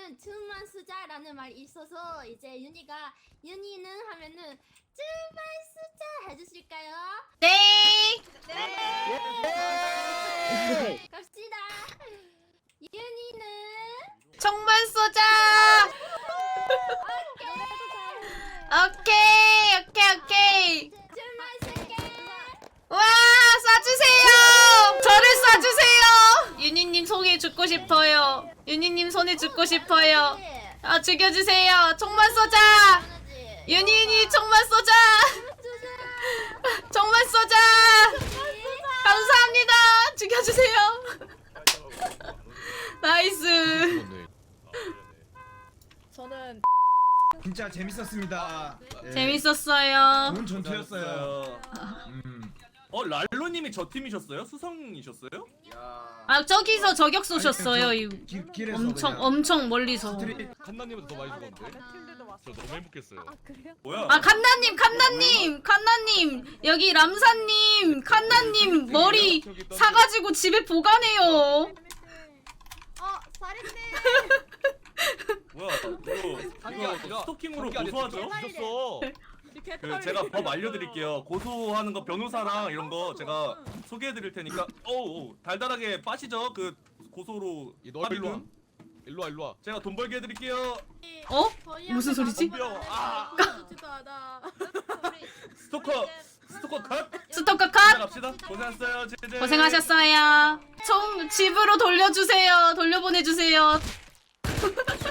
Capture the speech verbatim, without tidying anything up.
윤희는 춤만 쓰자라는 말이 있어서 이제 윤희가 윤희는 하면은 춤만 쓰자 해주실까요? 네. 네. 갑시다. 윤희는 총만 쏘자. 오케이 오케이 오케이. 춤만 쓸게. 와 쏴주세요. 저를 쏴주세요. 윤희님 손에 죽고 싶어요. 윤희님 손에 죽고 싶어요. 아 죽여주세요. 총만 쏘자. 윤희님 총만 쏘자. 총만 쏘자. 감사합니다. 죽여주세요. 나이스. 저는 진짜 재밌었습니다. 예. 재밌었어요. 좋은 전투였어요. 음. 어 랄로님이 저 팀이셨어요? 수성이셨어요? 아 저기서 저격 쏘셨어요. 이 길, 길에서 엄청 그냥 엄청 멀리서. 스트릿 칸나님은 더 많이 죽었는데? 다른 팀들도 왔어. 저 너무 행복했어요. 아 그래요? 뭐야? 아 칸나님 칸나님 칸나님 여기 람사님 칸나님 머리 사가지고 집에 보관해요. 어 살인네. 뭐야? 이거 이거 스토킹으로 고소하죠? 미쳤어. 그 제가 법 알려드릴게요. 고소하는 거 변호사랑 이런 거 제가 소개해드릴 테니까. 어우 달달하게 빠시죠? 그 고소로 너 일로 와. 합의금. 일로 와 일로 와. 제가 돈 벌게 해드릴게요. 어? 무슨 소리지? 덤벼. 아. 스토커 스토커 컷. 스토커 컷. 갑시다. 고생했어요. 제제. 고생하셨어요. 총 집으로 돌려주세요. 돌려보내주세요.